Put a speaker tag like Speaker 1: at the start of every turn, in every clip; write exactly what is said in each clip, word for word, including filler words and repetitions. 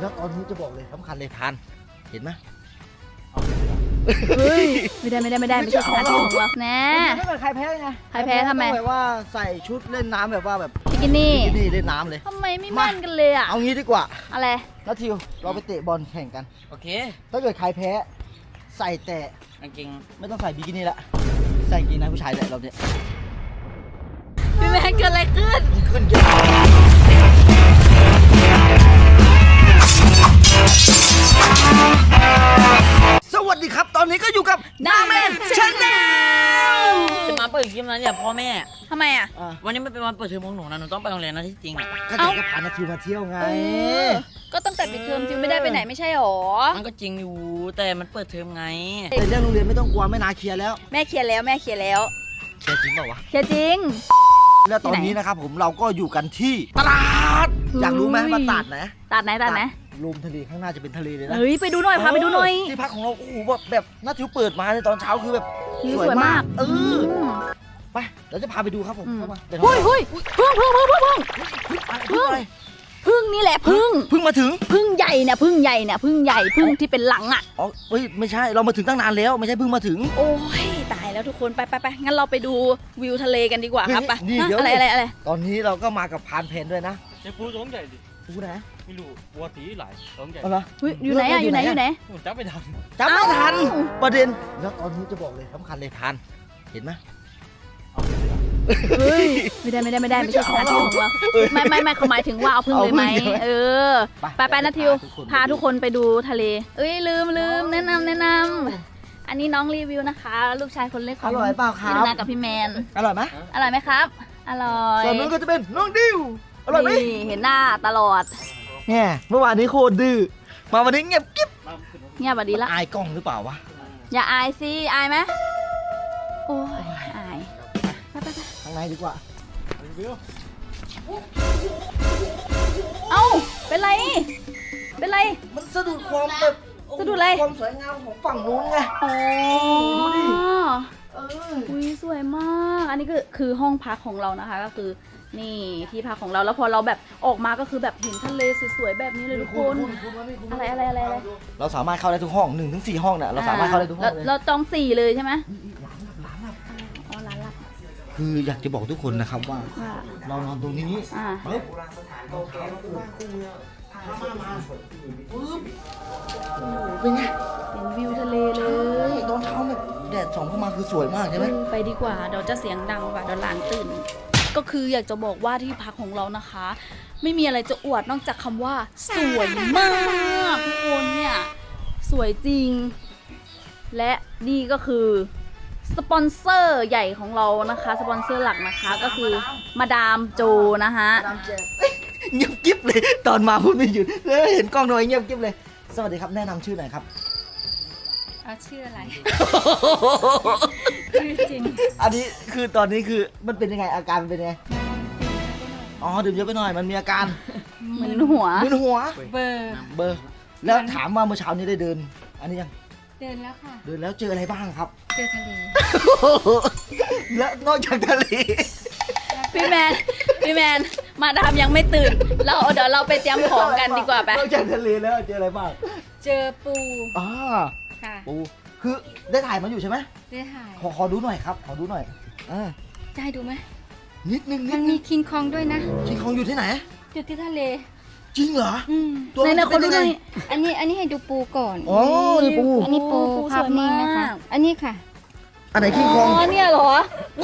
Speaker 1: แล้วตอนนี้จะบอกเลยสำคัญเลยทานเห็นไหม
Speaker 2: เฮ้ยไม่ได้ไม่ได้ไม่ได้ไม่ใช่สถานที่ของเราแน่
Speaker 1: ไม่เป็นใครแพ้ไง
Speaker 2: ใครแพ้ทำไม
Speaker 1: แบบว่าใส่ชุดเล่นน้ำแบบว่าแบบ
Speaker 2: บิกินี่
Speaker 1: บิกินี่เล่นน้ำเลย
Speaker 2: ทำไมไม่มั่นกันเลยอ่ะ
Speaker 1: เอางี้ดีกว่า
Speaker 2: อะไร
Speaker 1: แล้วทิวเราไปเตะบอลแข่งกัน
Speaker 3: โอเค
Speaker 1: ถ้าเกิดใครแพ้ใส่แต่
Speaker 3: กางเกง
Speaker 1: ไม่ต้องใส่บิกินี่ละใส่กางเกงในผู้ชายแหละเราเนี่ย
Speaker 2: พี่แม่เกิดอะไรขึ้น
Speaker 1: ขึ้นเยอะสวัสดีครับตอนนี้ก็อยู่กับนาแมนชาแนล
Speaker 3: จะมาเปิดคลิปนั้นเนี่ยพ่อแม่
Speaker 2: ทำไมอ่ะ
Speaker 3: วันนี้มันเป็นวันเปิดเทอมของหนูนะหนูต้องไปโรงเรียนนะที่จริงอ่ะ
Speaker 1: ก็จะพานาทิวมาเที่ยวไง
Speaker 2: ก็ตั้งแต่ปิดเทอมจิวไม่ได้ไปไหนไม่ใช่หรอ
Speaker 3: มันก็จริงอยู่แต่มันเปิดเทอมไง
Speaker 1: แต่เรื่องโรงเรียนไม่ต้องกลัวไม่นาเคลียร์แล้ว
Speaker 2: แม่เคลียร์แล้วแม่เคลียร์แล้ว
Speaker 1: เคลียร์จริงเปล่าวะ
Speaker 2: เคลียร์จริง
Speaker 1: แล้วตอนนี้นะครับผมเราก็อยู่กันที่ตลาดอยากรู้ไหมว่าตลาดไหน
Speaker 2: ตลาดไหนตลาดไหน
Speaker 1: ลมทะเลข้างหน้าจะเป็นทะเลเลยนะ
Speaker 2: เฮ้ยไปดูหน่อยพาไปดูหน่อย
Speaker 1: ที่พักของเราโอ้โหแบบแบบน่าทิวเปิดมาในตอนเช้าคือแบบ
Speaker 2: สวยมาก
Speaker 1: เออไปเราจะพาไปดูครับผมเข้ามา
Speaker 2: เฮ้ยเฮ้ยพึ่งพึ่งพึ่งพึ่งพึ่ง
Speaker 1: พึ่งอะไร
Speaker 2: พึ่งนี่แหละพึ่ง
Speaker 1: พึ่งมาถึง
Speaker 2: พึ่งใหญ่เนี่ยพึ่งใหญ่เนี่ยพึ่งใหญ่พึ่งที่เป็นหลังอ่ะ
Speaker 1: อ๋อเฮ้ยไม่ใช่เรามาถึงตั้งนานแล้วไม่ใช่พึ่งมาถึง
Speaker 2: โอ้ยตายแล้วทุกคนไปไปไปงั้นเราไปดูวิวทะเลกันดีกว่าครับไปอะไรอะไรอะไร
Speaker 1: ตอนนี้เราก็มากับพานเพนด้วยนะ
Speaker 4: ไอ้ปูตัวใหญ่ดิ
Speaker 1: ปูไหน
Speaker 4: ไม่รู้วัวตีหลายตัวใหญ่
Speaker 1: เหรอ
Speaker 2: อยู่ไหนอ่ะอยู่ไหนอยู่ไหน
Speaker 4: จับไม่ทัน
Speaker 1: จับไม่ทันประเด็นแล้วตอนนี้จะบอกเลยสำคัญเลยทานเห็นไหม
Speaker 2: เฮ้ยไม่ได้ไม่ได้ไม่ได้ไม่ใช่สถานที่ของเราไม่ไม่ไม่เขาหมายถึงว่าเอาพึ่งเลยไหมเออไปไปนะทิวพาทุกคนไปดูทะเลเอ้ยลืมลืมแนะนำแนะนำอันนี้น้องรีวิวนะคะลูกชายคนเล็กของ
Speaker 1: อร่อยเปล่าครับ
Speaker 2: พี่นากับพี่แมน
Speaker 1: อร่อยไหม
Speaker 2: อร่อยไหมครับอร่อย
Speaker 1: ส่วนนู้นก็จะเป็นน้องดิวอร่อยไหม
Speaker 2: เห็นหน้าตลอด
Speaker 1: เนี่ยเมื่อวานนี้โคตรดื้อมาวันนี้เงียบกิ๊บ
Speaker 2: เงียบแบบนี้ละ
Speaker 1: อายกล้องหรือเปล่าวะ
Speaker 2: อย่าอายสิอายไหมโอ้ยอายไปไปไป
Speaker 1: ข้างในดีกว่า
Speaker 2: เอ้าเป็นไรเป็นไร
Speaker 1: มันสะดุดความแบบ
Speaker 2: สะดุดอะไร
Speaker 1: ความสวยงามของฝั่งนู้นไง
Speaker 2: อ๋อ
Speaker 1: ดูดิ
Speaker 2: เอออุ้ยสวยมากอันนี้ก็คือห้องพักของเรานะคะก็คือนี่ที่พักของเราแล้วพอเราแบบออกมาก็คือแบบเห็นทะเลสวยๆแบบนี้เลยทุกคนอะไรอะไรอะไร
Speaker 1: เราสามารถเข้าได้ทุกห้องหนึ่งถึงสี่ห้องเนี่ยเราสามารถเข้าได้ทุกห้องเลย
Speaker 2: เราจองสี่เลยใช่ไหมอ๋อร้านละ
Speaker 1: คืออยากจะบอกทุกคนนะครับว่าเรานอนตรงนี้ปึ๊บเป็นไง
Speaker 2: เห็นวิวทะเลเลย
Speaker 1: ตอนเช้าแบบแดดส่องเข้ามาคือสวยมากใช่ไหม
Speaker 2: ไปดีกว่าเดี๋ยวจะเสียงดังกว่าเดี๋ยวหลานตื่นก็คืออยากจะบอกว่าที่พักของเรานะคะไม่มีอะไรจะอวดนอกจากคำว่าสวยมากทุกคนเนี่ยสวยจริงและนี่ก็คือสปอนเซอร์ใหญ่ของเรานะคะสปอนเซอร์หลักนะคะก็คือมาดามโจนะคะ
Speaker 1: เงียบกิ๊บเลยตอนมาพูดไม่หยุดเลยเห็นกล้องหน่อยเงียบกิ๊บเลยสวัสดีครับแนะนำชื่อหน่อยครับ
Speaker 2: เอาชื่ออะไรชื่อจริง
Speaker 1: อันนี้คือตอนนี้คือมันเป็นยังไงอาการเป็นยังไงอ๋อดื่มเยอะไปหน่อยมันมีอาการ
Speaker 2: มึนหัว
Speaker 1: มึนหัว
Speaker 2: เบอร์
Speaker 1: เบอร์แล้วถามว่าเมื่อเช้านี้ได้เดินอันนี้ยัง
Speaker 2: เดินแล้วค่ะ
Speaker 1: เดินแล้วเจออะไรบ้างครับ
Speaker 2: เจอทะเล
Speaker 1: แล้วนอกจากทะเล
Speaker 2: พี่แมนพี่แมนมาดามยังไม่ตื่นเราเดี๋ยวเราไปเตรียมของกันดีกว่าไป
Speaker 1: นอกจากทะเลแล้วเจออะไรบ้าง
Speaker 2: เจอปู
Speaker 1: อ๋อ
Speaker 2: ค่ะ
Speaker 1: ปูคือได้ถ่ายมาอยู่ใช่ไหม
Speaker 2: ได้ถ่าย
Speaker 1: ขอขอดูหน่อยครับขอดูหน่อยอ่า
Speaker 2: จะให้ดูไหม
Speaker 1: นิดนึง
Speaker 2: มันมีคิงคองด้วยนะ
Speaker 1: คิงคองอยู่ที่ไหน
Speaker 2: อยู่ที่ทะเล
Speaker 1: จริงเหรอ
Speaker 2: ในในคนดูหน่อยอันนี้อันนี้ให้ดูปูก่อน
Speaker 1: อ๋อนี่ปู
Speaker 2: อันนี้ปูภาพนิ่งนะคะอันนี้ค่ะ
Speaker 1: อันไหนคิงคอง
Speaker 2: อ๋อเนี่ยเหรอ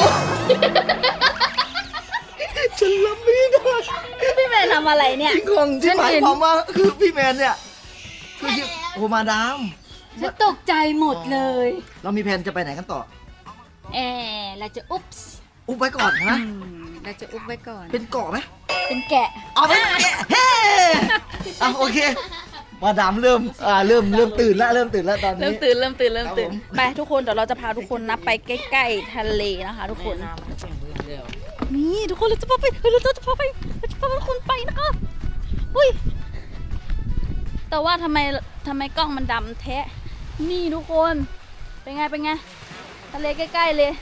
Speaker 1: ฉันรับไม่ได้
Speaker 2: พี่แมนทำอะไรเนี่ย
Speaker 1: คิงคองที่หมายความว่าคือพี่แมนเนี่ยคือโอ้มาดาม
Speaker 2: ฉันตกใจหมดเลย
Speaker 1: เรามีแผนจะไปไหนกันต่อ
Speaker 2: เออเราจะอุ๊บ
Speaker 1: อุ๊บไว้ก่อนนะ
Speaker 2: เราจะอุ๊บไว้ก่อน
Speaker 1: เป็นเกาะไหม
Speaker 2: เป็นแกะ
Speaker 1: เอาเป็นแกะเฮ้อ่ะโอเคมาดามเริ่มอ่าเริ่มเริ่มตื่นแล้วเริ่มตื่นแล้วตอนนี้
Speaker 2: เริ่มตื่นเริ่มตื่นเริ่มตื่นไปทุกคนเดี๋ยวเราจะพาทุกคนนับไปใกล้ๆทะเลนะคะทุกคนนี่ทุกคนเราจะพาไปเราจะพาไปเราจะพาทุกคนไปนะคะอุ้ยแต่ว่าทำไมทำไมกล้องมันดำแท้นี่ทุกคนเป็นไงเป็นไงทะเลใกล้ๆเลย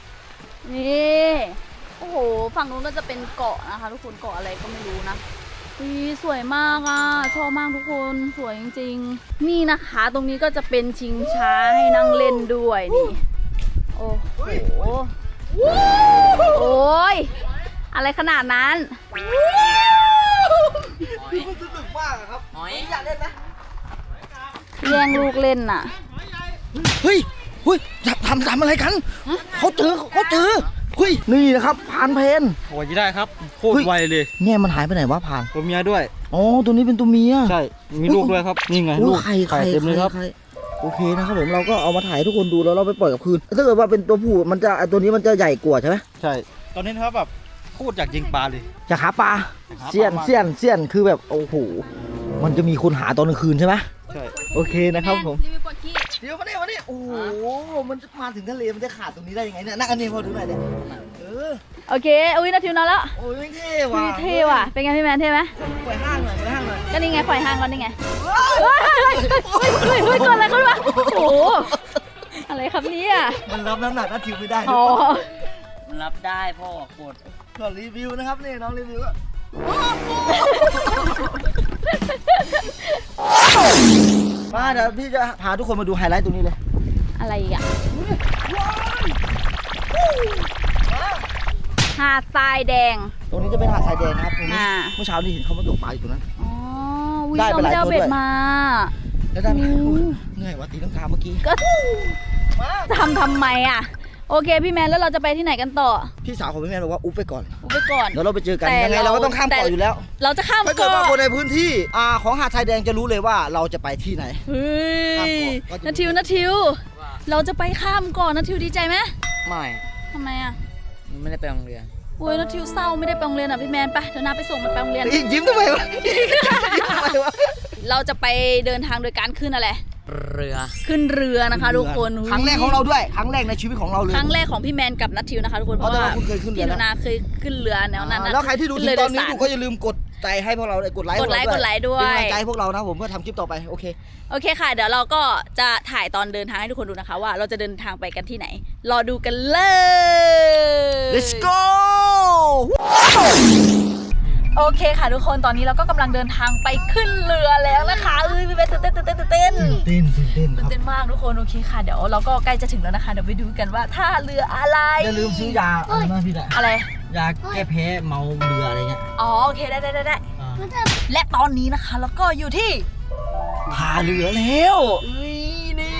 Speaker 2: นี่โอ้โหฝั่งนู้นก็จะเป็นเกาะนะคะทุกคนเกาะอะไรก็ไม่รู้นะอุ๊ยสวยมากอ่ะชอบมากทุกคนสวยจริงๆนี่นะคะตรงนี้ก็จะเป็นชิงช้าให้นั่งเล่นด้วยนี่โอ้โหโอ้ยอะไรขนาดนั้น
Speaker 1: คือมันสนุกมากอะครับ
Speaker 3: หอย
Speaker 1: อยากเล่นไหม
Speaker 2: แย่งลูกเล่นน่ะ
Speaker 1: เฮ้ยเฮ้ยทำทำอะไรกันเขาเจอเขาเจอเฮ้ยนี่นะครับพานเพน
Speaker 4: โอ้ยได้ครับโคต
Speaker 1: เฮ้
Speaker 4: ร
Speaker 1: ย
Speaker 4: ไวเลย
Speaker 1: เนี่ยมันหายไปไหนวะพาน
Speaker 4: ตัวเมียด้วย
Speaker 1: อ๋อตัวนี้เป็นตัวเมีย
Speaker 4: ใช่มีลูกด้วยครับนี่ไง
Speaker 1: โอ้
Speaker 4: ลูก
Speaker 1: ไข่ไข่
Speaker 4: เต็มเลยครับ
Speaker 1: ไข่โอเคนะครับผมเราก็เอามาถ่ายให้ทุกคนดูแล้วเราไปปล่อยกับคืนถ้าเกิดว่าเป็นตัวผู้มันจะไอ้ตัวนี้มันจะใหญ่กว่าใช่ไหม
Speaker 4: ใช่ตอนนี้นะครับแบบโคตรอยากยิงปลาเลย
Speaker 1: จะหาปลา
Speaker 4: จะหาปลา
Speaker 1: เสี้ยน
Speaker 4: มาก
Speaker 1: เสี้ยนเสี้ยนคือแบบโอ้โหมันจะมีคนหาตอนกลางคืนใช่ไหม
Speaker 4: ใช่
Speaker 1: โอเคนะครับผม
Speaker 2: รีวิวปวดขี้
Speaker 1: เดี๋ยวมาเนี่ยมาเนี่ยโอ้โหมันจะมาถึงทะเลมันจะขาดตรงนี้ได้ยังไงเนี่ยนั่งอันนี้พอดูหน่อยเดี๋ยวเออ
Speaker 2: โอเคอุ้ยนาทิวนอนแล้ว
Speaker 1: โอ้ยเท่
Speaker 2: อุ้
Speaker 1: ว่ะ
Speaker 2: ยเท่ว่ะเป็นไงพี่แมนเท่ไหม
Speaker 1: ปล่อยห้างหน่อยปล่อยห้างหน่อย
Speaker 2: ก็นี่ไงปล่อยห่างก่อนนี่ไงเฮ้ยเฮ้ยเฮ้ยเฮ้ยเฮ้ยเกิดอะไรขึ้นวะโอ้โหอะไรครับเนี่ย
Speaker 1: มันรับน้ำหนักนัดทิวไม่ได้
Speaker 2: อ๋อ
Speaker 3: มันรับได้พ่อกด
Speaker 1: ก่อนรีวิวนะครับนี่น้องรีวิวอะมาเดี๋ยวพี่จะพาทุกคนมาดูไฮไลท์ตรงนี้เลย
Speaker 2: อะไรอีกอะหาดทรายแดง
Speaker 1: ตรงนี้จะเป็นหาดทรายแดงนะครับตรงนี้
Speaker 2: อ่า
Speaker 1: เมื่อเช้านี่เห็นเขามาตกปลาอยู่ตรงนั้น
Speaker 2: อ๋อวิ
Speaker 1: ได้
Speaker 2: เรา
Speaker 1: ไปห
Speaker 2: ไม่
Speaker 1: ลาย
Speaker 2: ได้เอา
Speaker 1: ตัว
Speaker 2: เบ็
Speaker 1: ด้
Speaker 2: ด
Speaker 1: วย
Speaker 2: มา
Speaker 1: แล้วได้ไหม
Speaker 2: อืม
Speaker 1: เหนื่อยว่ะตีลังกาเมื่อกี้
Speaker 2: ก็ทำทำไมอะโอเคพี่แมนแล้วเราจะไปที่ไหนกันต่อ
Speaker 1: พี่สาวของพี่แม่บอกว่าอุ๊บไปก่อน
Speaker 2: อุบไปก่อน
Speaker 1: เดี๋ยวเราไปเจอกัน
Speaker 2: แต่
Speaker 1: ยังไง
Speaker 2: เรา
Speaker 1: เราก็ต้องข้าม
Speaker 2: แต่
Speaker 1: เกาะอยู่แล้ว
Speaker 2: เราจะข้าม
Speaker 1: ถ้าเกิด
Speaker 2: เกาะ
Speaker 1: ว่าคนในพื้นที่อ่าของหาดทรายแดงจะรู้เลยว่าเราจะไปที่ไหน
Speaker 2: เฮ้
Speaker 1: ข้าม
Speaker 2: ย
Speaker 1: เกาะก็จะ
Speaker 2: นาทิวนาทิว เราจะไปข้ามก่อนนาทิวดีใจไหม
Speaker 3: ไม่
Speaker 2: ทำไมอะ
Speaker 3: มันไม่ได้ไปโรงเรียน
Speaker 2: โอ้ยนาทิวเศร้าไม่ได้ไปโรงเรียนอ่ะพี่แมนไปเดี๋ยวนาไปส่งมันไปโรงเรียน
Speaker 1: อีกยิ้มทำไมวะยิ้มทำไมวะ
Speaker 2: เราจะไปเดินทางโดยการขึ้นอะไร
Speaker 3: เรือ
Speaker 2: ขึ้นเรือนะคะทุกคน
Speaker 1: ครั้งแรกของเราด้วยครั้งแรกในชีวิตของเราเลย
Speaker 2: ครั้งแรกของพี่แมนกับนัททิวนะคะทุกคนเพ
Speaker 1: อ๋อ
Speaker 2: ราะ
Speaker 1: แต่
Speaker 2: ว่า
Speaker 1: ว่าคุณเคยขึ้นเรือ
Speaker 2: พี่หนู
Speaker 1: แล้ว
Speaker 2: นาเคยขึ้นเรือแนวนั้น
Speaker 1: อ่า
Speaker 2: นะ
Speaker 1: แล้วใครที่ดูถึง
Speaker 2: ขึ้
Speaker 1: ตอนนี้
Speaker 2: เรืโดยสาร
Speaker 1: อยู่ก็อย่าลืมกดใจให้พวกเราเลยกดไลค์
Speaker 2: กดไลค์
Speaker 1: พว
Speaker 2: กดไลค์ด้วย
Speaker 1: เป็นกำลังใจให้พวกเรานะผมเพื่อทำคลิปต่อไปโอเค
Speaker 2: โอเคค่ะ เดี๋ยวเราก็จะถ่ายตอนเดินทางให้ทุกคนดูนะคะ ว่าเราจะเดินทางไปกันที่ไหน รอดูกันเลย
Speaker 1: let's go
Speaker 2: โอเคค่ะทุกคนตอนนี้เราก็กำลังเดินทางไปขึ้นเรือแล้วนะคะเอ้ยพี่เบสตื่นเต้นตื่นเต้นตื่นเต้น
Speaker 1: เต้นตื่นเต้นค
Speaker 2: ตื่
Speaker 1: รั
Speaker 2: น
Speaker 1: บ
Speaker 2: เต้นมากทุกคนโอเคค่ะเดี๋ยวเราก็ใกล้จะถึงแล้วนะคะเดี๋ยวไปดูกันว่าท่าเรืออะไร
Speaker 1: อย่าลืมซื้อยาอะไรนะพี่ดะ
Speaker 2: อะไร
Speaker 1: ยาแก้แพ้เมาเรืออะไรเงี้ย
Speaker 2: อ๋อโอเคได้ได้ได้ได้
Speaker 1: อ่า
Speaker 2: และตอนนี้นะคะแล้วก็อยู่ที่
Speaker 1: พาเรือแล้ว
Speaker 2: เอ้ยนี่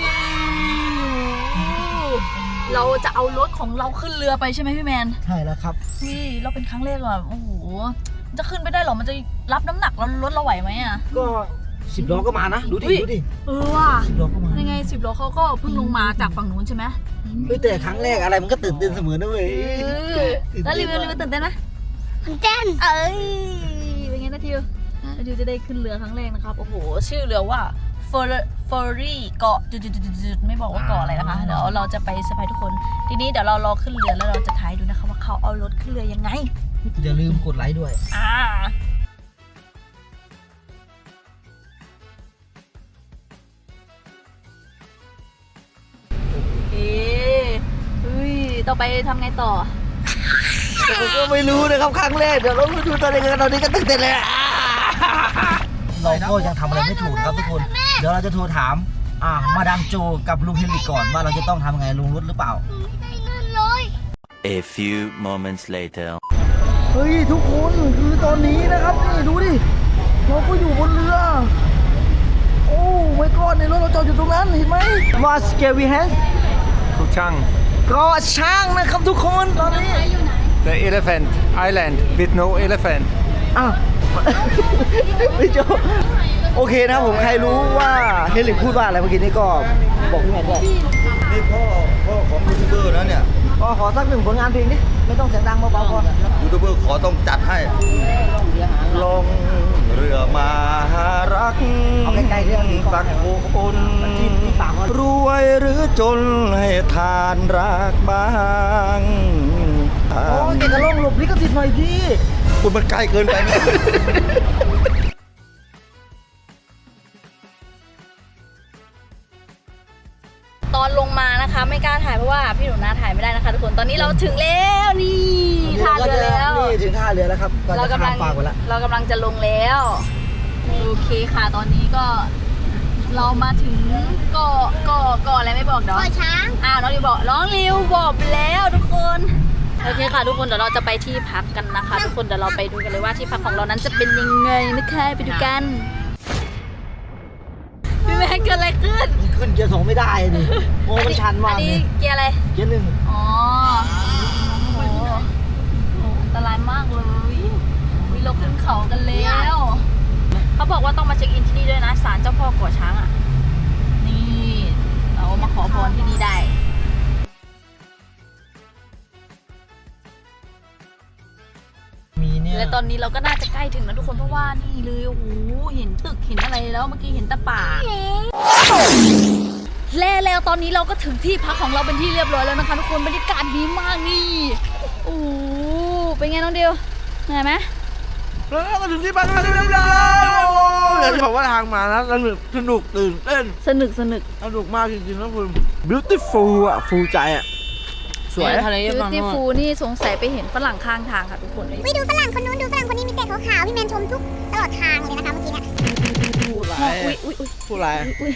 Speaker 2: เราจะเอารถของเราขึ้นเรือไปใช่ไหมพี่แมน
Speaker 1: ใช่แล้วครับ
Speaker 2: นี่เราเป็นครั้งแรกอะโอ้โหมันจะขึ้นไปได้เหรอมันจะรับน้ำหนักเรารถเราไหวไหมอะ
Speaker 1: ก็สิบล้อก็มานะดูดิ
Speaker 2: อุ๊ย
Speaker 1: ดูดิ
Speaker 2: เออว่ะ
Speaker 1: สิบล้อก็มา
Speaker 2: ยังไงสิบล้อเขาก็เพิ่งลงมาจากฝั่งนู้นใช่ไหม
Speaker 1: เฮ้ยแต่ครั้งแรกอะไรมันก็ตื่นเต้นเสมอนะเว้ย
Speaker 2: แล้วรีวิวรีวิวตื่นเต้นไหมตื่นเต้นเอ้ยเป็นไงนะทิวนะทิวจะได้ขึ้นเรือครั้งแรกนะครับโอ้โหชื่อเรือว่าเฟอร์เฟอรี่เกาะจุดๆๆๆไม่บอกว่าเกาะอะไรนะคะเดี๋ยวเราจะไปเซอร์ไพรส์ทุกคนทีนี้เดี๋ยวเรารอขึ้นเรือแล้วเราจะถ่ายดูนะคะว่าเขาเอารถขึ้นเรือยังไง
Speaker 1: อย่าลืมกดไลค์ด้วย
Speaker 2: อ่าเอ๊ะเฮ้ยต่อไปทำไงต่อ
Speaker 1: แต่ผมก็ไม่รู้นะครับครั้งแรกเดี๋ยวเราไปดูตอนนี้กันตอนนี้ก็ตื่นเต้นเลยอะเราก็ยังทำอะไรไม่ถูกครับทุกคน เดี๋ยวเราจะโทรถามอ่ามาดามโจกับลุงเฮนริกก่อนว่าเราจะต้องทำยังไงลงรถหรือเปล่า
Speaker 5: A few moments later.
Speaker 1: เฮ้ยทุกคนคือตอนนี้นะครับนี่ดูดิเราก็อยู่บนเรือ โอ้ไม่ก้อนในรถเราจอดอยู่ตรงนั้นเห็นไหมมาสเกวีแฮน
Speaker 6: Kuchang,
Speaker 1: ก็ช่างนะครับทุกคนตอนนี้
Speaker 6: the elephant island with no elephant.
Speaker 1: อ้าว ไม่จบโอเคนะครับผมใครรู้ว่าเฮลิกพูดว่าอะไรเมื่อกี้นี้ก็บอกพี่แมนด้วยนี่พ่อพ่อของยูทูบเบอร์นะเนี่ยก็ขอสักหนึ่งผลงานเพลงดิไม่ต้องเสียงดังเบาๆพอ
Speaker 7: ยูทูบเบอร์ขอต้องจัดให้ ลงเรือมาหารัก
Speaker 1: เอาใกล้ๆเรื่องนี้ก่อน
Speaker 7: สักคน
Speaker 1: ที่ที่ปากเขา
Speaker 7: รวยหรือจนให้ทานรักบ้าง
Speaker 1: โอ้ยเก่งกระล่องหลบลิขสิทธิ์หน่อยพี่
Speaker 7: คุณมันใกล้เกินไปไหม
Speaker 2: ตตอนลงมานะคะ ไม่กล้าถ่ายเพราะว่าพี่หนูนาถ่ายไม่ได้นะคะทุกคนตอนนี้เราถึงแล้วนี่ท่าเรือแล้ว
Speaker 1: นี่ถึงท่าเรือแล้วครับก่อน
Speaker 2: เรา
Speaker 1: จะ
Speaker 2: กำลั
Speaker 1: ข้าง มฝั่งไปแล้ว
Speaker 2: เรากำลังจะลงแล้วโอเคค่ะตอนนี้ก็เรามาถึงเกาะเกาะเกาะอะไรไม่บอกเนาะ
Speaker 8: เกาะช้าง
Speaker 2: อ้าวน้องริวบอกน้องริวบอกแล้วทุกคนโอเคค่ะทุกคนเดี๋ยวเราจะไปที่พักกันนะคะ ทุกคนเดี๋ยวเราไปดูกันเลยว่าที่พักของเรานั้นจะเป็นยังไงนะคะไปดูกันพี่แม่เกิดอะไรขึ้น
Speaker 1: ขึ้นเกียร์สองไม่ได้ดิโอ้มันชันมาก
Speaker 2: อัน
Speaker 1: เล
Speaker 2: นี้
Speaker 1: ย
Speaker 2: เกียร์อะไร
Speaker 1: เกียร์หนึ่ง
Speaker 2: อ๋อโอ้โหอันตรายมากเลยวิเราขึ้นเขากันแล้วเขาบอกว่าต้องมาเช็คอินที่นี่ด้วยนะศาลเจ้าพ่อก่อช้างอ่ะนี่เรามาขอพรที่นี่ได้
Speaker 1: มีเนี่ย
Speaker 2: และตอนนี้เราก็น่าจะใกล้ถึงแล้วทุกคนเพราะว่านี่เลยโอ้โหเห็นตึกเห็นอะไรแล้วเมื่อกี้เห็นแตะป่าและแล้วตอนนี้เราก็ถึงที่พักของเราเป็นที่เรียบร้อยแล้วนะคะทุกคนบรรยากาศดีมากนี่โอ้โหเป็นไงน้องเดียวเหนื่อยไหม
Speaker 9: แล้วก็ถึงที่บ้านแล้วเรียบร้อยอยากจะบอกว่าทางมานะสนุกสนุกตื่นเต้น
Speaker 2: สนุกสนุก
Speaker 9: สนุกมากจริงๆนะคุณ beautiful อ่ะ ฟูใจอ่ะ สวย
Speaker 3: ทะเล
Speaker 2: บิว
Speaker 3: ฝั่ง
Speaker 2: ตี้
Speaker 3: โน้น
Speaker 2: ฟูนี่สงสัยไปเห็นฝรั่งข้างทางค่ะทุกคน
Speaker 8: วิดูฝรั่งคนนู้นดูฝรั่งคนนี้มีแต่ขาวๆพี่แมนชมทุกตลอดทางเลยนะคะเมื่อกี้เนี่ย
Speaker 9: พูดอะไร
Speaker 2: อุ้ยอุ้ยอุ้ย
Speaker 9: พูดอะไร
Speaker 2: อุ้ย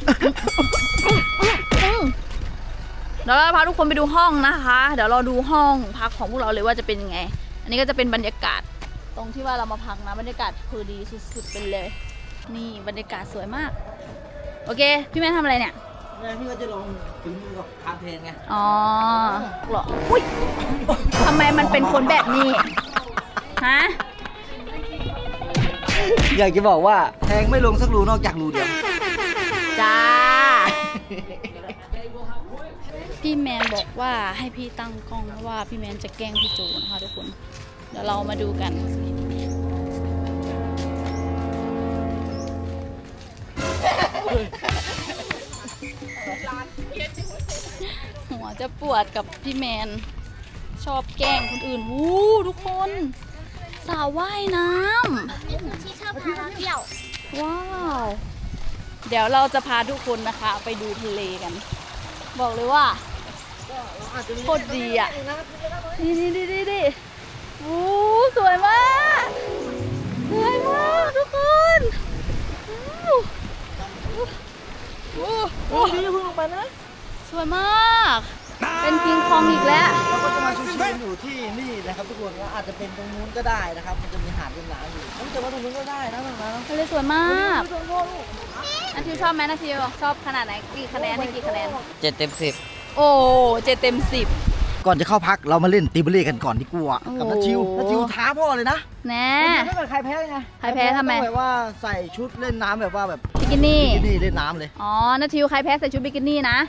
Speaker 2: อืมเดี๋ยวเราพาทุกคนไปดูห้องนะคะ เดี๋ยวเราดูห้องพักของพวกเราเลยว่าจะเป็นยังไง อันนี้ก็จะเป็นบรรยากาศตรงที่ว่าเรามาพักนะบรรยากาศคือดีสุดๆไปเลย นี่บรรยากาศสวยมาก โอเค พี่แม่ทำอะไรเนี่ย
Speaker 1: เนี่ยพี่ก็จะลองถึงมือกับทางเพลงไง
Speaker 2: อ๋อเหรออุ้ยทำไมมันเป็นคนแบบนี้ ฮะ
Speaker 1: อยากจะบอกว่าแทงไม่ลงสักรูนอกจากรูเดียว
Speaker 2: จ้า พี่แมนบอกว่าให้พี่ตั้งกล้องเพราะว่าพี่แมนจะแกล้งพี่จูนะคะทุกคน เดี๋ยวเรามาดูกัน หัวจะปวดกับพี่แมน ชอบแกล้งคนอื่นวู้ทุกคน สาวว่ายน้ำ
Speaker 8: นี่คือที่ชอบพาเราเที่ยว
Speaker 2: ว้าว เดี๋ยวเราจะพาทุกคนนะคะ ไปดูทะเลกัน บอกเลยว่าโคตรดีอ่ะ นี่นี่นี่นี่นี่โอ้สวยมาก สวยมากทุกคนโอ้โหโอ้ดีคุณลงไปนะ สวยมาก เป็นคิงคองอีกแล้ว
Speaker 1: เราก็จะมาชิวๆอยู่ที่นี่นะครับทุกคนแล้วอาจจะเป็นตรงนู้นก็ได้นะครับ มันจะมีหาดเป็นน้ำอยู่ต้องจะมาตรงนู้นก็ได้นะตรงนั้น
Speaker 2: ทะเลสวยมากนาทิวชอบไหมนาทิวชอบขนาดไหนกี่คะแนนให้กี่คะแนน
Speaker 3: เจ็ดเต็มสิบ
Speaker 2: โอ้เจ็ดเต็มสิบ
Speaker 1: ก่อนจะเข้าพักเรามาเล่นตีเบลเล่กันก่อนดีกว่า
Speaker 2: โอ้
Speaker 1: กับนัทชิวนัทชิวท้าพ่อเลยนะ
Speaker 2: แน่
Speaker 1: ถ้าเกิดใครแพ้ไง
Speaker 2: ใครแพ้ทำไม
Speaker 1: ต้องแบบว่าใส่ชุดเล่นน้ำแบบว่าแบบ
Speaker 2: บิกินี่
Speaker 1: บิกินี่เล่นน้ำเลย
Speaker 2: อ๋อนาทิวใครแพ้ใส่ชุดบิกินี่นะ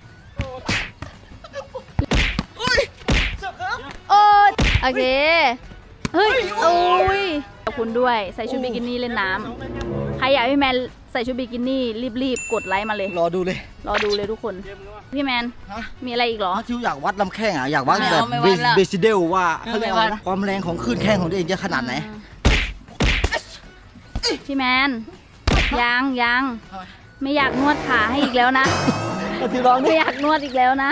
Speaker 2: โอ้ยโอเค เฮ้ย โอ้ย ขอบคุณด้วย ใส่ชุดบิกินี่เล่นน้ำใครอยากให้พี่แมนใส่ชุดบิกินี่รีบๆ กดไลค์มาเลย
Speaker 1: รอดูเลย
Speaker 2: รอดูเลยทุกคน พี่แมน
Speaker 1: ฮะ
Speaker 2: มีอะไรอีกเหรอ
Speaker 1: นัทชิวอยากวัดลำแข้งอ่ะอยากวัด
Speaker 2: ไม่
Speaker 1: แบ
Speaker 2: เอา
Speaker 1: บ
Speaker 2: ไม่วัดละ
Speaker 1: เบสิเดลว่าเขาเรียกอะไร
Speaker 2: ไม่วั
Speaker 1: นะ
Speaker 2: ด
Speaker 1: ความแรงของคลื่นแข้งของตัวเองจะขนาดไหน
Speaker 2: พี่แมน ยังยังไม่อยากนวดขาให้อีกแล้วนะ
Speaker 1: นัทชิวลอง
Speaker 2: ไม่
Speaker 1: ดิ
Speaker 2: อยากนวดอีกแล้วนะ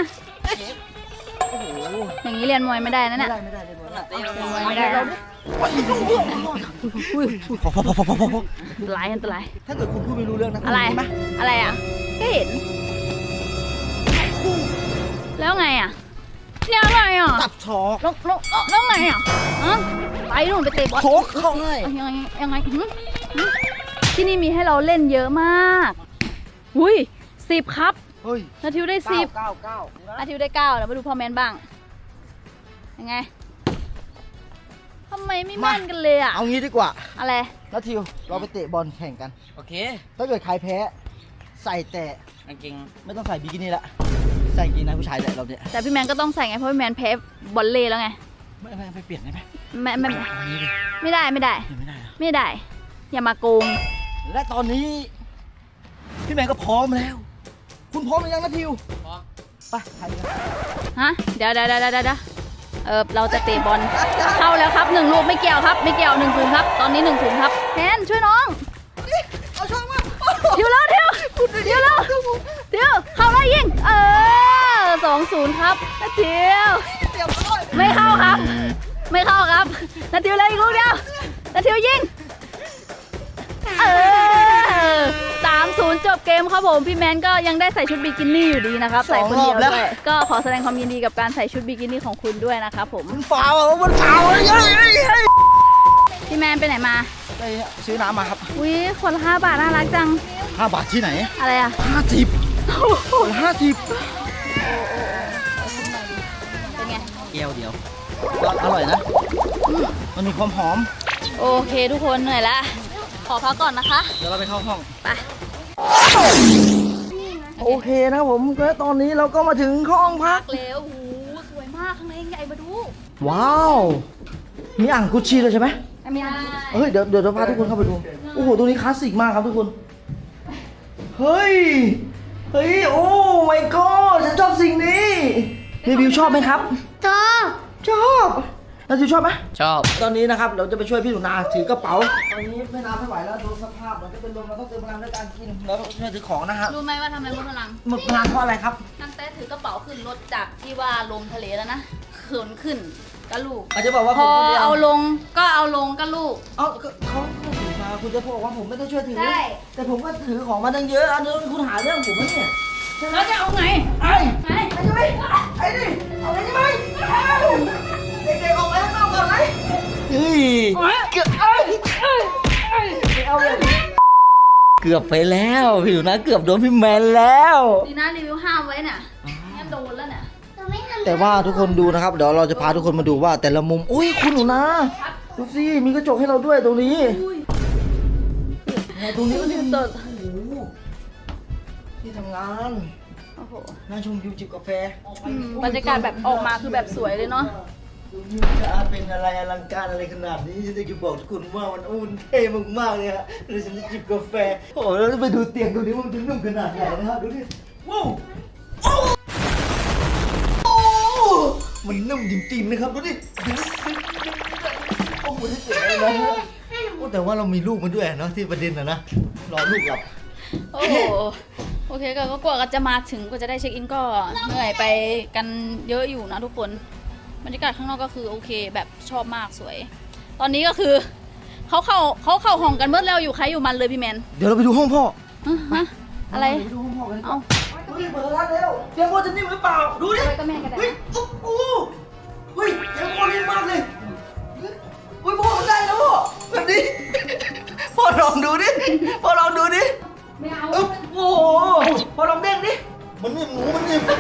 Speaker 2: อย่างนี้เรียนมวยไม่ได้นะ
Speaker 1: ไม่
Speaker 2: เนี่ย
Speaker 1: ได้ไม่ได้เลยหมดละ
Speaker 2: เรียนมวยไม่ได้นะ
Speaker 1: พอพอพอพอพอพอ
Speaker 2: อันตรายอันตราย
Speaker 1: ถ้าเกิดคุณพูดไม่รู้เรื่องนะ
Speaker 2: อะไร
Speaker 1: คุณรู้ไหม
Speaker 2: อะไรอ่ะก็เห็น แล้วไงอ่ะเนี่ยอะไรอ่ะ
Speaker 1: ตับชอก
Speaker 2: แล้วแล้วแล้วไงอ่ะฮะไปนู่นไปเตะบอล
Speaker 1: โคกเข้าให้
Speaker 2: ยังไงยังไงหืมหืมที่นี่มีให้เราเล่นเยอะมากอุ้ยสิบครับ
Speaker 1: เฮ้ย
Speaker 2: นาทิวได้สิบ
Speaker 1: เก้าเก้า
Speaker 2: นาทิวได้เก้าแล้วมาดูพ่อแมนบ้าง ยังไงทำไมไม่แม่นกันเลยอ่ะ
Speaker 1: เอางี้ดีกว่า
Speaker 2: อะไร
Speaker 1: นัททิวเราไปเตะบอลแข่งกัน
Speaker 3: โอเค
Speaker 1: ถ้าเกิดใครแพ้ใส่แต่
Speaker 3: กางเกง
Speaker 1: ไม่ต้องใส่บิกินี่ละใส่กางเกงในผู้ชายแหละเราเนี่ย
Speaker 2: แต่พี่แมนก็ต้องใส่ไงเพราะพี่แมนแพ้บอลเล่แล้วไง
Speaker 1: ไม่ไม่ไม่เปลี่ยนได้ไหม
Speaker 2: ไม่ไม่
Speaker 1: เอางี้ดิ
Speaker 2: ไม่ได้ไม่ได้
Speaker 1: เปลี่ยนไม่ได้เหรอ
Speaker 2: ไม่ได้ อย่ามาโกง
Speaker 1: และตอนนี้ พี่แมนก็พร้อมแล้ว คุณพร้อมหรือยังนัททิว
Speaker 3: พร้อม
Speaker 1: ไปใครกัน
Speaker 2: ฮะเดี๋ยวเดี๋ยวเดี๋ยวเดี๋ยวเดี๋ยวเออเราจะเตะบอลเข้าแล้วครับหนึ่งลูกไม่เกี่ยวครับ ไม่เกี่ยวหนึ่งศูนย์ครับ ตอนนี้หนึ่งศูนย์ครับแทนช่วยน้อง
Speaker 1: เอาช่องมา
Speaker 2: เดี๋ยวแล้วเดี๋ยวเดี๋ยวแล้วเดี๋ยวเข้าแล้วยิงเอศูนย์ครับนาทิวไม่เข้าครับ ไม่เข้าครับนาทิวเลยอีกลูกเดียวนาทิวยิงเออสามศูนย์จบเกมครับผมพี่แมนก็ยังได้ใส่ชุดบิกินี่อยู่ดีนะครับใส่คนเดียวด้วยก็ขอแสดงความยินดีกับการใส่ชุดบิกินี่ของคุณด้วยนะครับผม
Speaker 1: มันฟาวอ่ะมันฟาวเลยเฮ้ยเฮ้ยเฮ้ย
Speaker 2: พี่แมนไปไหนมา
Speaker 1: ไปซื้อน้ำมาครับ
Speaker 2: อุ้ยคนละห้าบาทน่ารักจัง
Speaker 1: ห้าบาทที่ไหน
Speaker 2: อะไรอ่ะ
Speaker 1: ห้าสิบห้าสิบ
Speaker 2: เป็นไง
Speaker 1: แก้วเดียวก็อร่อยนะ มันมีความหอม
Speaker 2: โอเคทุกคนเหนื่อยละขอพักก่อนนะคะ
Speaker 1: เดี๋ยวเราไปเข้าห้อง
Speaker 2: ไป
Speaker 1: โอเคนะผมก็ตอนนี้เราก็มาถึงห้องพัก
Speaker 2: เร็วโอ้โหสวยมากข้างในใหญ่มาดู
Speaker 1: ว้าว มีอ่างกุชชี่เลยใช่ไหม
Speaker 2: ไม่มีอะไร
Speaker 1: เฮ้ย เดี๋ยวเดี๋ยวเราพาทุกคนเข้าไปดู โอ้โห ตัวนี้คลาสสิกมากครับทุกคน เฮ้ย เฮ้ย โอ้ my god ฉันชอบสิ่งนี้รีวิวชอบไหมครับ
Speaker 8: ชอบ
Speaker 1: ชอบแล้วจิวชอบไหม
Speaker 3: ชอบ
Speaker 1: ตอนนี้นะครับเราจะไปช่วยพี่หนูนาถือกระเป๋า ตอนนี้ไม่นาไม่ไหวแล้วดูสภาพมันจะเป็นลมเราต้องเติมพลังด้วยการกิน แล้วก็ช่วยถือของนะฮะ
Speaker 2: รู้ไหมว่าทำไมมุดพลัง
Speaker 1: หมดพลังเพราะอะไรครับ
Speaker 2: นั่งแต่ถือกระเป๋าขึ้นรถจากที่ว่าลงทะเลแล้วนะเขินขึ้นก็ลูก
Speaker 1: อาจจะบอกว่า
Speaker 2: พ
Speaker 1: ผม
Speaker 2: อ
Speaker 1: คนเดียว
Speaker 2: เอาลงก็เอาลงก็ลูก
Speaker 1: เอาก็เขาเขาถือมาคุณจะบอกว่าผมไม่ได้ช่วยถือ
Speaker 2: ใช่
Speaker 1: แต่ผมก็ถือของมาตั้งเยอะ อันนี้คุณหาเรื่องผมไหมเนี่ย
Speaker 2: แล้วจะเอาไง
Speaker 1: ไอ้
Speaker 2: ไง
Speaker 1: ไอ้ใช่ไหมไอ้ดิเอาไงใช่ไหมเด็กๆออกไปข้างนอกก่อนไหมเฮ้ยเกือบเอ้ยไม่เอาเลยเกือบไปแล้วพี่หนูนาเกือบโดนพี่แมนแล้ว
Speaker 2: ดีนะรีวิวห้ามไว้น่ะงั้นโดนแล้วเนี่ย
Speaker 8: เราไม่ทำ
Speaker 1: แต่ว่าทุกคนดูนะครับ เดี๋ยวเราจะพาทุกคนมาดูว่าแต่ละมุม อุ้ยคุณหนูนาดูสิมีกระจกให้เราด้วยตรงนี้
Speaker 2: อุ้ย
Speaker 1: เนี่ยตรงนี้ก็จะมี
Speaker 2: เติร์ด
Speaker 1: โอ้โหที่ทำงาน
Speaker 2: โอ้โห
Speaker 1: นั่งชมวิวจิบกาแฟ
Speaker 2: อืมบรรยากาศแบบออกมาคือแบบสวยเลยเนาะ
Speaker 1: ดูวิวจะเป็นอะไรอลังการอะไรขนาดนี้ฉันจะบอกทุกคนว่ามันอุ่นเท่มากๆเลยฮะแล้วฉันจะจิบกาแฟโอ้โหแล้วไปดูเตียงตัวนี้มันจะนุ่มขนาดไหนนะครับดูดิว้าวโอ้มันนุ่มจริงๆนะครับดูดิโอ้โหที่เจ๋งเลยนะฮะโอ้แต่ว่าเรามีลูกมาด้วยเนาะที่ประเด็นนะนะรอลูกหลับ
Speaker 2: โอ้โหโอเคก็กว่าจะมาถึงกว่าจะได้เช็คอินก็เหนื่อยไปกันเยอะอยู่นะทุกคนบรรยากาศข้างนอกก็คือโอเคแบบชอบมากสวย ตอนนี้ก็คือเขาเข้าเขาเข้าห้องกันเมื่อแล้วอยู่ใครอยู่มันเลยพี่แมน
Speaker 1: เดี๋ยวเราไปดูห้องพ่อ
Speaker 2: ฮะฮะอะไร
Speaker 1: ไปดูห้องพ่อกัน
Speaker 2: เอา
Speaker 1: ดูดิเปิดร้านแล้วเตียงพ่อจะนิ่มหรือเปล่าดูดิ
Speaker 2: อะไรก็แม่กันได้
Speaker 1: เฮ้ยโอ้โหเฮ้ยเตียงพ่อนิ่มมากเลยเฮ้ยพ่อมันได้แล้วพ่อแบบนี้พ่อลองดูดิพ่อลองดูดิ
Speaker 2: ไม่เอา
Speaker 1: อึ๊บโอ้โหพ่อลองเด้งดิมันนิ่มหมูมันนิ่ม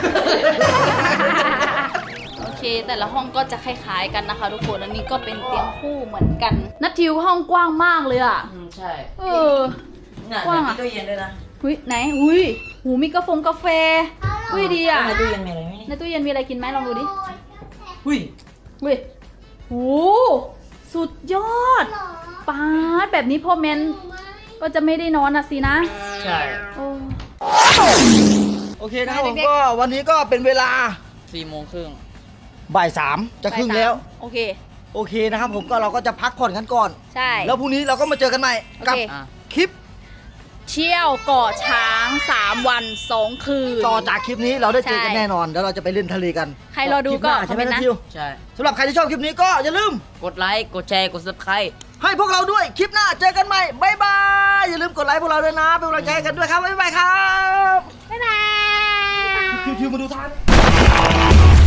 Speaker 2: โอเค แต่ละห้องก็จะคล้ายๆกันนะคะ ทุกคนอันนี้ก็เป็นเตียงคู่เหมือนกันนัททิวห้องกว้างมากเลยอ่ะ
Speaker 3: อืมใช่
Speaker 2: เออ
Speaker 3: เนี่ย
Speaker 2: กว้าง
Speaker 3: มี
Speaker 2: อะ
Speaker 3: ตู้เย็นด้วยนะ
Speaker 2: หุยไหนหุยหูมีกาแฟกาแฟหุยดีอ่ะ
Speaker 3: ในตู้เย็นมีอะไรไหม
Speaker 2: ในตู้เย็นมีอะไรกินไหมลองดูดิ
Speaker 3: หุ้ย
Speaker 2: หุยโหสุดยอดปาดแบบนี้พ่อแมนก็จะไม่ได้นอนนะสินะ
Speaker 3: ใช่
Speaker 2: โอ้
Speaker 1: โอเคนะครับผมก็วันนี้ก็เป็นเวลา
Speaker 3: สี่โมงครึ่ง
Speaker 1: บ่ายสามจะครึ่งแล้ว
Speaker 2: โอเค
Speaker 1: โอเคนะครับผมก็เราก็จะพักผ่อนกันก่อน
Speaker 2: ใช่
Speaker 1: แล้วพรุ่งนี้เราก็มาเจอกันใหม่กับ
Speaker 2: โอเค
Speaker 3: อ่ะ
Speaker 1: คลิป
Speaker 2: เที่ยวเกาะช้างสามวันสองคืน
Speaker 1: ต่อจากคลิปนี้เราได้เจอกัน
Speaker 2: ใช่
Speaker 1: แน่นอนแล้วเราจะไปเล่นทะเลกัน
Speaker 2: ใครรอดูก็
Speaker 1: คลิปหน้าใช่ไหม
Speaker 2: คอมเมนต์นะ
Speaker 1: นะทิว
Speaker 3: ใช่
Speaker 1: สำหรับใครที่ชอบคลิปนี้ก็อย่าลืม
Speaker 3: กดไลค์ กดแชร์ กด subscribe
Speaker 1: ให้พวกเราด้วยคลิปหน้าเจอกันใหม่บ๊ายบายอย่าลืมกดไลค์พวกเราด้วยนะเป็นกำลังใจให้กันด้วยครับบ๊ายบายครับ
Speaker 8: บ๊ายบาย
Speaker 1: ทิวๆมาดูทาง